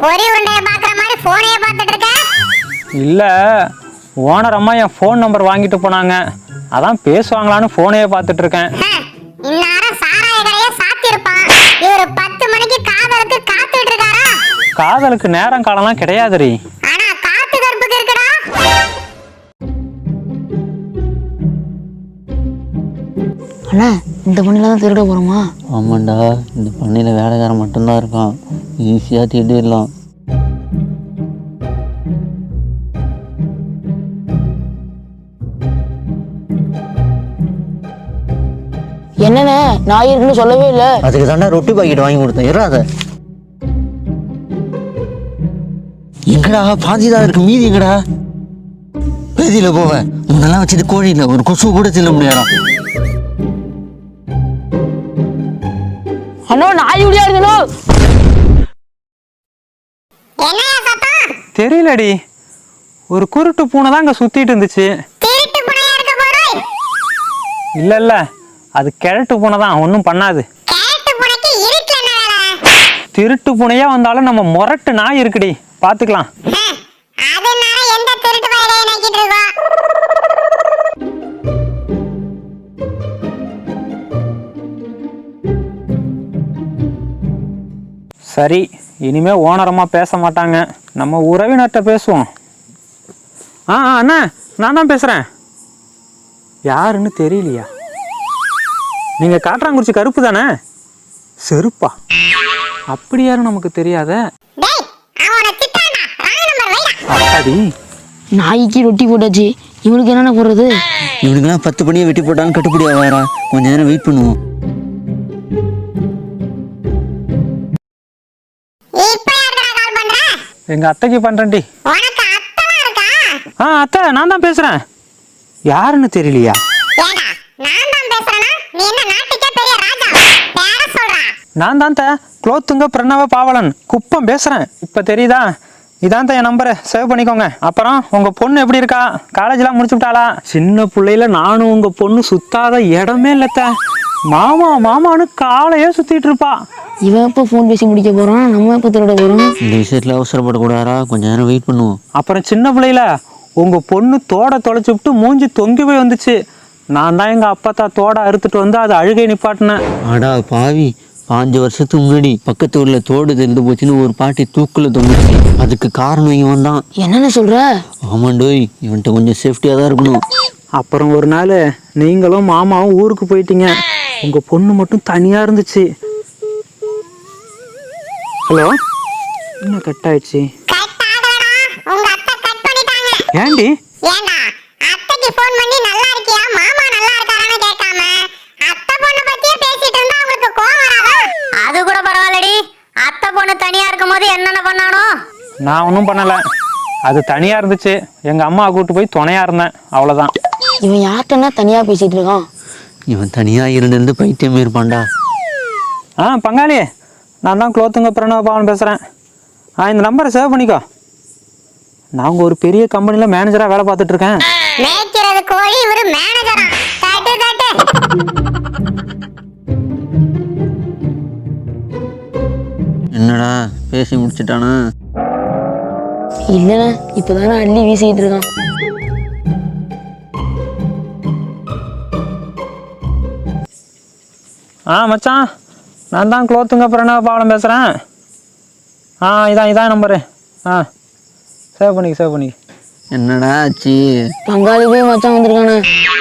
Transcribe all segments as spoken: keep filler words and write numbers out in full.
பொரி உருண்டைய பாக்குற மாதிரி போனையே பார்த்துட்டு இருக்க? இல்ல, ஓனர் அம்மா என் ஃபோன் நம்பர் வாங்கிட்டு போனாங்க, அதான் பேசுவாங்களான்னு போனையே பார்த்துட்டு இருக்கேன். இந்நேரம் சாராய கடையே சாத்தி இருப்பான். இவரு பத்து மணிக்கு காதலுக்கு காத்துட்டு இருக்காரா? காதலுக்கு நேரம் காலம்லாம் கிடையாதுரி. ஆனா காத்து கருப்புக்கு இருக்குடா. அண்ணா, இந்த பண்ணில தான் திருட போறோமா? ஆமாண்டா, இந்த பண்ணையில் வேலைக்காரன் மட்டும்தான் இருக்கான், ஈஸியாக திருடிடலாம். என்னண்ணே, நாய் இருக்குன்னு சொல்லவே இல்லை. அதுக்கு தாண்டா ரொட்டி பாக்கெட் வாங்கி கொடுத்தேன், இறாத. எங்கடா பாதி தான் இருக்கு, மீதி எங்கடா? பேதியில போவேன், முன்னெல்லாம் வச்சது கோழி இல்லை, ஒரு கொசு கூட தில்ல முடியாதான். அண்ணா, நாய் உடையா இருக்கணும். என்னையா சத்தம்? தெரியலடி, ஒரு குருட்டு பூனை தான் இங்க சுத்திட்டு இருந்துச்சு. திருட்டு புனையா இருக்க போறோம். இல்ல இல்ல, அது கிழட்டு பூனை தான், ஒன்றும் பண்ணாது. கேட்டு புனைக்கு இருட்டுல என்ன வேலை? திருட்டு பூனையா வந்தாலும் நம்ம முரட்டு நாய் இருக்குடி, பாத்துக்கலாம். அதனால எந்த திருட்டு வயலையை நக்கிட்டு இருக்கோம்? சரி, இனிமே ஓனரம்மா பேச மாட்டாங்க, நம்ம உறவினர்கிட்ட பேசுவோம். ஆ ஆ, அண்ணா, நான் தான் பேசுறேன். யாருன்னு தெரியலையா? நீங்க காட்டுறாங்குறிச்சி கருப்பு தானே? செருப்பா? அப்படி யாரும் நமக்கு தெரியாத. டேய், அவன திட்டானா? ராங் நம்பர் வைடா. அப்பாடி, நாய்க்கு ரொட்டி போட்டாச்சு, இவனுக்கு என்னென்ன போடுறது? இவனுக்கெல்லாம் பத்து பண்ணியை வெட்டி போட்டாலும் கட்டுப்படி ஆகாரா, கொஞ்ச நேரம் வெயிட் பண்ணுவோம். இப்ப யாருடா கால் பண்ற? எங்க அத்தைக்கு பண்றேன்டி. உனக்கு அத்தலாம் இருக்கா? ஆ அத்தை, நான் தான் பேசுறேன். யாருன்னு தெரியலையா? ஏடா, நான் தான் பேசுறேனா? நீ என்ன நாட்டுக்கே பெரிய ராஜா? பேர சொல்றா. நான் தான் த குலோத்துங்க பிரணவ பாவலன் குப்பம் பேசுறேன். இப்ப தெரியுதா? இதான் என் நம்பரை சேவ் பண்ணிக்கோங்க. அப்புறம் உங்க பொண்ணு எப்படி இருக்கா? காலேஜ்லாம் முடிச்சு விட்டாளா? சின்ன பிள்ளையில நானும் உங்க பொண்ணு சுத்தாத இடமே இல்லத்த. மாமா மாமான்னு காலையே சுத்திட்டு இருப்பா. இவன் எப்போ ஃபோன் பேசி முடிக்க போறான், நம்ம எப்போ திருட போறோம்? இந்த விஷயத்துல அவசரப்படக்கூடாதா, கொஞ்ச நேரம் வெயிட் பண்ணுவோம். அப்புறம் சின்ன பிள்ளையில உங்க பொண்ணு தோட தொலைச்சு விட்டு மூஞ்சி தொங்கி போய் வந்துச்சு. நான் தான் எங்க அப்பத்தா தோட அறுத்துட்டு வந்து அதை அழுகை நிப்பாட்டினேன். ஆடா பாவி, பாஞ்சு வருஷத்துக்கு முன்னாடி பக்கத்து ஊர்ல தோடு தெரிந்து போச்சுன்னு ஒரு பாட்டி தூக்குல தொங்குச்சு. அதுக்கு காரணம் இவன் தான். என்னென்ன சொல்ற? ஆமாண்டோய், இவன்கிட்ட கொஞ்சம் சேஃப்டியா தான் இருக்கணும். அப்புறம் ஒரு நாள் நீங்களும் மாமாவும் ஊருக்கு போயிட்டீங்க, உங்க பொண்ணு மட்டும் தனியா இருந்துச்சு. ஹலோ, என்ன கட் ஆயிடுச்சு? கட் ஆகலடா, உங்க அத்தை கட் பண்ணிட்டாங்க. ஏண்டி? ஏண்டா, அத்தைக்கு ஃபோன் பண்ணி நல்லா இருக்கியா, மாமா நல்லா இருக்காரான்னு கேட்காம அத்தை பொண்ணு பத்தியே பேசிட்டு இருந்தா உங்களுக்கு கோவம் வராதா? அது கூட பரவாயில்லடி, அத்தை பொண்ணு தனியா இருக்கும் போது என்னென்ன பண்ணானோ? நான் ஒன்றும் பண்ணலை, அது தனியா இருந்துச்சு. எங்க அம்மா கூட்டு போய் துணையா இருந்தேன், அவ்வளோதான். இவன் யார்கிட்டனா தனியா பேசிட்டு இருக்கான்? இவன் தனியா இருந்து பைத்தியமே இருப்பான்டா. ஆ பங்காளி, நான் தான் குலோத்துங்க பிரணவ பாவன் பேசுகிறேன். ஆ இந்த நம்பரை சேவ் பண்ணிக்கோ. நான் ஒரு பெரிய கம்பெனியில் மேனேஜராக வேலை பார்த்துட்டு இருக்கேன். மேய்க்கிறது கோழி, இவரு மேனேஜரா? தட்டு தட்டு. என்னடா பேசி முடிச்சிட்டானா? இல்லைண்ணே, இப்போதானே அள்ளி வீசிக்கிட்டு இருக்கான். ஆ மச்சான், நான் தான் குலோத்துங்க பிரணவ பாவன் பேசுகிறேன். ஆ இதான் இதான் நம்பரு. ஆ சேவ் பண்ணிக்க சேவ் பண்ணிக்க. என்னடா ஆச்சு? பங்காளி போய் மச்சான் வந்திருக்கானே.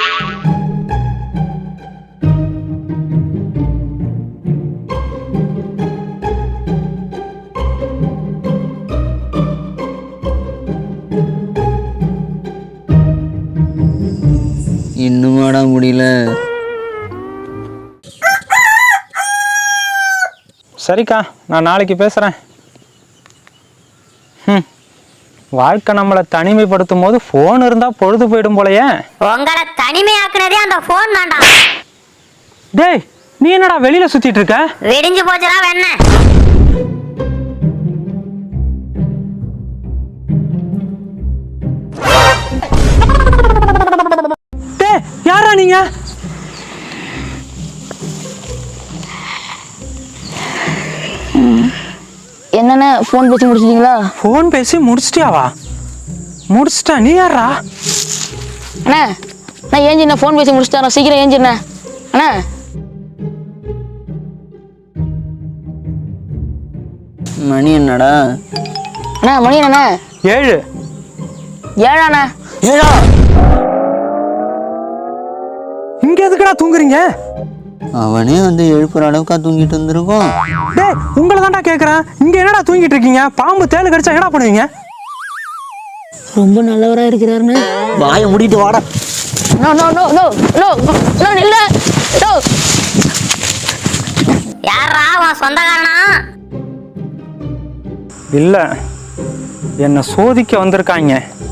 இன்னுமாடா முடியல? சரிக்கா, நான் நாளைக்கு பேசுகிறேன். ம், வாழ்க்கை நம்மளை தனிமைப்படுத்தும் போது ஃபோன் இருந்தால் பொழுது போயிடும் போலையே. உங்களை தனிமையாக்குனதே அந்த போன் தான்டா. டேய், நீ என்னடா வெளியில சுத்திட்டு இருக்க? விடிஞ்சு போச்சுடா வெண்ண. டேய், யாரா நீங்க? என்னண்ணே ஃபோன் பேசி முடிச்சிட்டீங்களா? ஃபோன் பேசி முடிச்சிட்டியாவா? முடிச்சிட்டா? நீ யாரா? அண்ணா நான் ஏஞ்சிண்ணே ஃபோன் பேசி முடிச்சிட்டேன். சீக்கிரம் ஏஞ்சிண்ணே. அண்ணா மணி என்னடா? அண்ணா மணி என்னண்ணே? ஏழு. ஏழாண்ணா? ஏடா இங்க எதுக்குடா தூங்குறீங்க? அவனே வந்து எழுப்புற அளவுக்கா தூங்கிட்டு இருந்திருக்கோம். டேய் உங்களை தான்டா கேட்குறேன். இங்க என்னடா தூங்கிட்டு இருக்கீங்க? பாம்பு தேளு கடிச்சா என்னடா பண்ணுவீங்க? ரொம்ப நல்லவராக இருக்கிறாருண்ணே. வாயை மூடிட்டு வாடா. No no no no no no இல்ல நோ. யாரா உன் சொந்தக்காரனா? இல்ல, என்னை சோதிக்க வந்திருக்காங்க.